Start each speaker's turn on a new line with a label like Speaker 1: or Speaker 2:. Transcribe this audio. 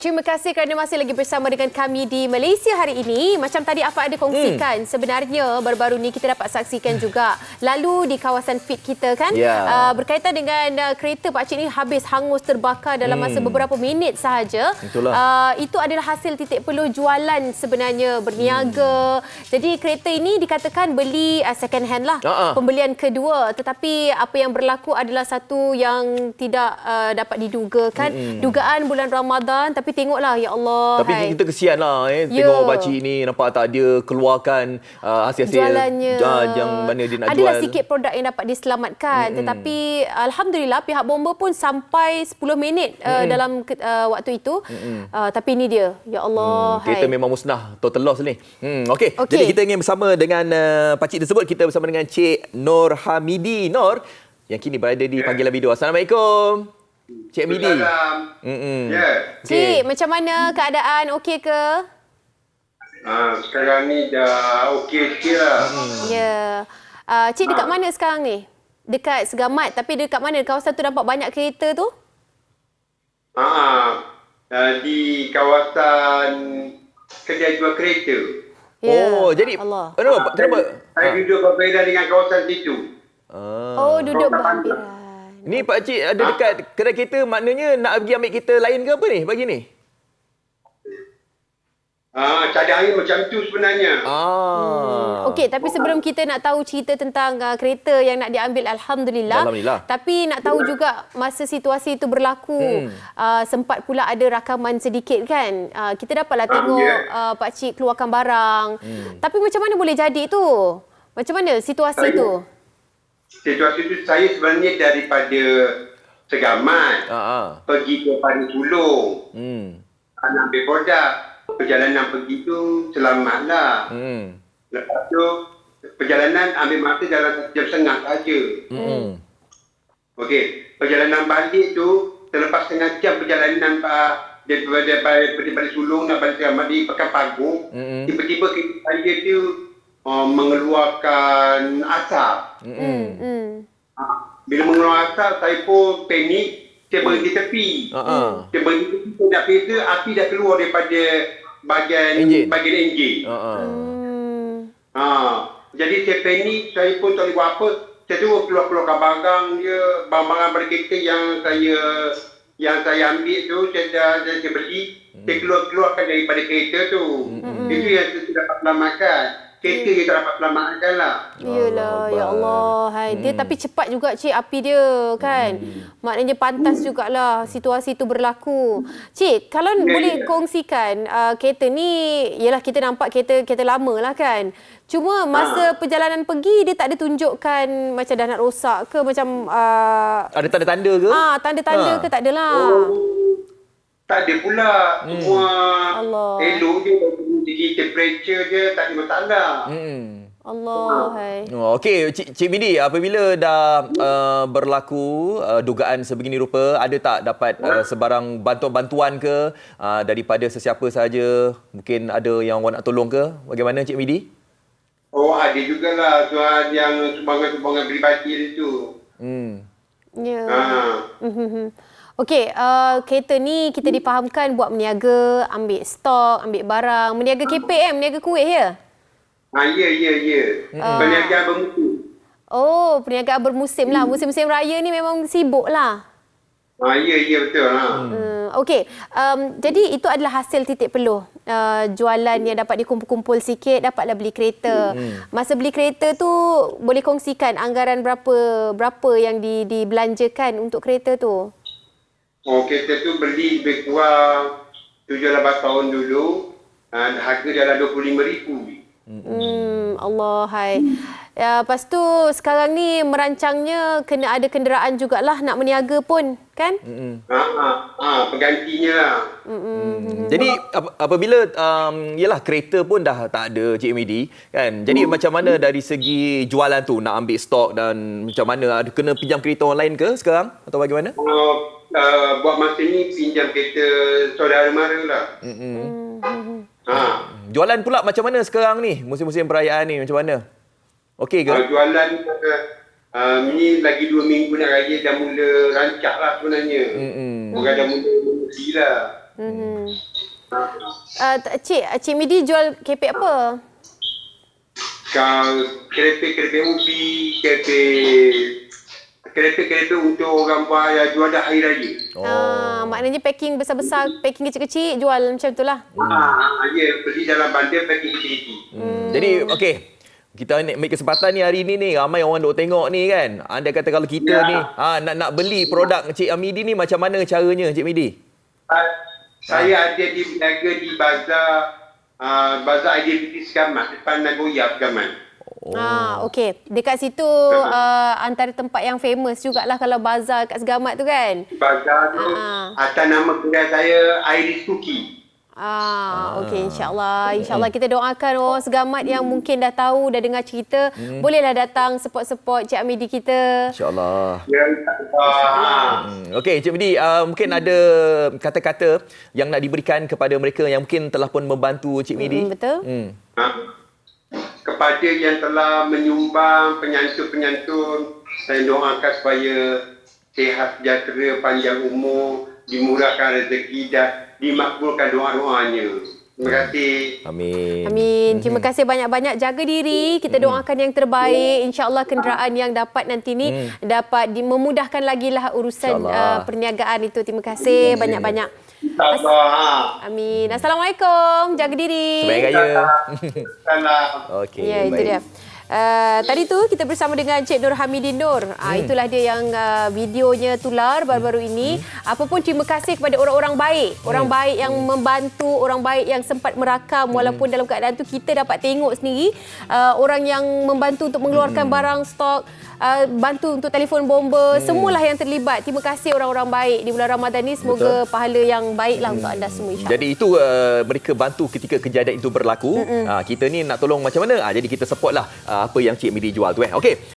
Speaker 1: Terima kasih kerana masih lagi bersama dengan kami di Malaysia hari ini. Macam tadi apa ada kongsikan, sebenarnya baru-baru ni kita dapat saksikan juga lalu di kawasan feed kita kan, berkaitan dengan kereta pakcik ni habis hangus terbakar dalam masa beberapa minit sahaja. Itu adalah hasil titik peluh jualan sebenarnya, berniaga. Jadi kereta ini dikatakan beli second hand lah, pembelian kedua. Tetapi apa yang berlaku adalah satu yang tidak dapat didugakan. Dugaan bulan Ramadan, tapi tengoklah, ya Allah.
Speaker 2: Tapi kita kesian lah tengok pakcik ni, nampak tak dia keluarkan hasil-hasil
Speaker 1: jualannya.
Speaker 2: Yang mana dia nak
Speaker 1: Adalah
Speaker 2: jual.
Speaker 1: sikit produk yang dapat diselamatkan. Tetapi Alhamdulillah pihak bomba pun sampai 10 minit dalam waktu itu. Tapi ini dia, ya Allah.
Speaker 2: Kereta memang musnah, total loss ni. Okey. Jadi kita ingin bersama dengan pakcik tersebut. Kita bersama dengan Cik Nur Hamidi. Nur, yang kini berada di panggilan video. Assalamualaikum. Cik Midi.
Speaker 1: Cik, macam mana keadaan? Okey ke?
Speaker 3: Sekarang ni dah okey sikit lah.
Speaker 1: Ya. Cik dekat mana sekarang ni? Dekat Segamat, tapi dekat mana? Kawasan tu nampak banyak kereta tu?
Speaker 3: Di kawasan kedai jual kereta.
Speaker 2: Oh, jadi
Speaker 1: Allah.
Speaker 2: Kenapa?
Speaker 3: Saya duduk berbeza dengan kawasan situ.
Speaker 1: Oh, duduk berhampiran.
Speaker 2: Ni pakcik ada dekat kedai kereta, maknanya nak pergi ambil kereta lain ke apa ni pagi ni?
Speaker 3: Cadangan macam tu sebenarnya.
Speaker 1: Okey, tapi sebelum kita nak tahu cerita tentang kereta yang nak diambil, Alhamdulillah. Tapi nak tahu juga masa situasi itu berlaku, sempat pula ada rakaman sedikit kan. Kita dapatlah tengok pakcik keluarkan barang. Tapi macam mana boleh jadi tu? Macam mana situasi tu?
Speaker 3: Situasi itu saya sebenarnya daripada Segamat pergi ke Padang Sulong, nak ambil produk. Perjalanan pergi tu selamatlah. Lepas tu perjalanan ambil masa dalam 1 jam setengah saja. Okey, perjalanan balik tu selepas setengah jam perjalanan daripada Sulong nak balik Segamat di Pekan Pagung, tiba-tiba saya tu mengeluarkan asap. Bila mengeluarkan asap, saya pun panik. Saya berhenti tepi. Saya berhenti tepi, saya nak periksa, api dah keluar daripada bahagian enjin. Jadi saya panik, saya pun tak boleh buat apa. Saya terus keluarkan barang dia, barang-barang pada kereta yang saya ambil tu, saya beli. Saya keluarkan daripada kereta tu. Itu yang saya dapat selamatkan. Kereta dia tak dapat selamatkan lah.
Speaker 1: Yelah, ya Allah. Dia tapi cepat juga Cik api dia kan. Maknanya pantas jugalah situasi itu berlaku. Cik, kalau boleh kongsikan kereta ni, yelah kita nampak kereta lama lah kan. Cuma masa perjalanan pergi dia tak ada tunjukkan macam dah nak rosak ke, macam
Speaker 2: ada tanda-tanda ke?
Speaker 1: Tanda-tanda ke tak adalah.
Speaker 3: Tak ada pula. Semua elok je. Segi temperature je tak ada masalah.
Speaker 1: Allah.
Speaker 2: Okey, Cik Midi, apabila dah berlaku dugaan sebegini rupa, ada tak dapat sebarang bantuan-bantuan ke daripada sesiapa sahaja? Mungkin ada yang awak nak tolong ke? Bagaimana Cik Midi?
Speaker 3: Oh, ada jugalah soal yang sumbangan-sumbangan peribadi itu.
Speaker 1: Okey, kereta ni kita difahamkan buat meniaga, ambil stok, ambil barang, meniaga KPM, meniaga kuih ya?
Speaker 3: Ya. Perniagaan bermusim.
Speaker 1: Oh, perniagaan bermusim lah. Musim-musim raya ni memang sibuk lah.
Speaker 3: Ya, betul.
Speaker 1: Okey, jadi itu adalah hasil titik peluh. Jualan yang dapat dikumpul-kumpul sikit, dapatlah beli kereta. Masa beli kereta tu, boleh kongsikan anggaran berapa yang dibelanjakan untuk kereta tu?
Speaker 3: Kereta tu beli lebih kurang 7-8 tahun dulu. Harga dalam RM25,000.
Speaker 1: Allah. Lepas tu sekarang ni merancangnya kena ada kenderaan jugalah nak meniaga pun kan?
Speaker 3: Penggantinya lah.
Speaker 2: Jadi apabila yalah kereta pun dah tak ada Cik Midi kan. Jadi macam mana dari segi jualan tu, nak ambil stok dan macam mana, ada kena pinjam kereta orang lain ke sekarang atau bagaimana?
Speaker 3: Buat masa ni pinjam kereta saudara mara lah.
Speaker 2: Jualan pula macam mana sekarang ni? Musim-musim perayaan ni macam mana? Okey ke?
Speaker 3: Jualan ni lagi 2 minggu nak raya dah mula rancak lah sebenarnya. Bukan dah mula lah.
Speaker 1: Cik Midi jual keripik apa?
Speaker 3: Keripik ubi, keripik untuk orang buat jual dah hari raya.
Speaker 1: Maknanya packing besar-besar, packing kecil-kecil jual macam itulah.
Speaker 3: Ya, beli dalam bandar packing kecil-kecil.
Speaker 2: Jadi, okey. Kita ambil kesempatan ni hari ni ramai orang duk tengok ni kan. Anda kata kalau kita ni nak beli produk Cik Midi ni macam mana caranya Cik Midi?
Speaker 3: Saya ada berniaga di bazar IDPT Segamat, depan Nagoya Segamat.
Speaker 1: Okey. Dekat situ antara tempat yang famous jugalah kalau bazar kat Segamat tu kan.
Speaker 3: Bazar tu atas nama kedai saya Iris Cookie.
Speaker 1: Okey, insyaAllah kita doakan orang Segamat yang mungkin dah tahu, dah dengar cerita, bolehlah datang support Cik Midi kita.
Speaker 2: InsyaAllah.
Speaker 3: Ya, insyaAllah.
Speaker 2: Okey, Cik Midi, mungkin ada kata-kata yang nak diberikan kepada mereka yang mungkin telah pun membantu Cik Midi.
Speaker 1: Betul.
Speaker 3: Kepada yang telah menyumbang, penyantun-penyantun, saya doakan supaya sihat sejahtera, panjang umur, dimurahkan rezeki dan dimakbulkan doa-doanya. Terima kasih.
Speaker 1: Amin. Terima kasih banyak-banyak. Jaga diri. Kita doakan yang terbaik. InsyaAllah kenderaan yang dapat nanti ni dapat memudahkan lagi lah urusan perniagaan itu. Terima kasih banyak-banyak. Amin. Assalamualaikum. Jaga diri.
Speaker 2: Sebaik raya.
Speaker 1: Okey. Ya, itu dia. Tadi tu kita bersama dengan Cik Nur Hamidin Nur. Itulah dia yang videonya tular baru-baru ini. Apapun terima kasih kepada orang-orang baik. Orang baik yang membantu, orang baik yang sempat merakam walaupun dalam keadaan tu kita dapat tengok sendiri. Orang yang membantu untuk mengeluarkan barang stok, bantu untuk telefon bomba, semualah yang terlibat. Terima kasih orang-orang baik di bulan Ramadan ni. Semoga pahala yang baiklah untuk anda semua, insya-Allah.
Speaker 2: Jadi itu mereka bantu ketika kejadian itu berlaku. Kita ni nak tolong macam mana? Jadi kita supportlah apa yang Cik Midi jual tu. Okey.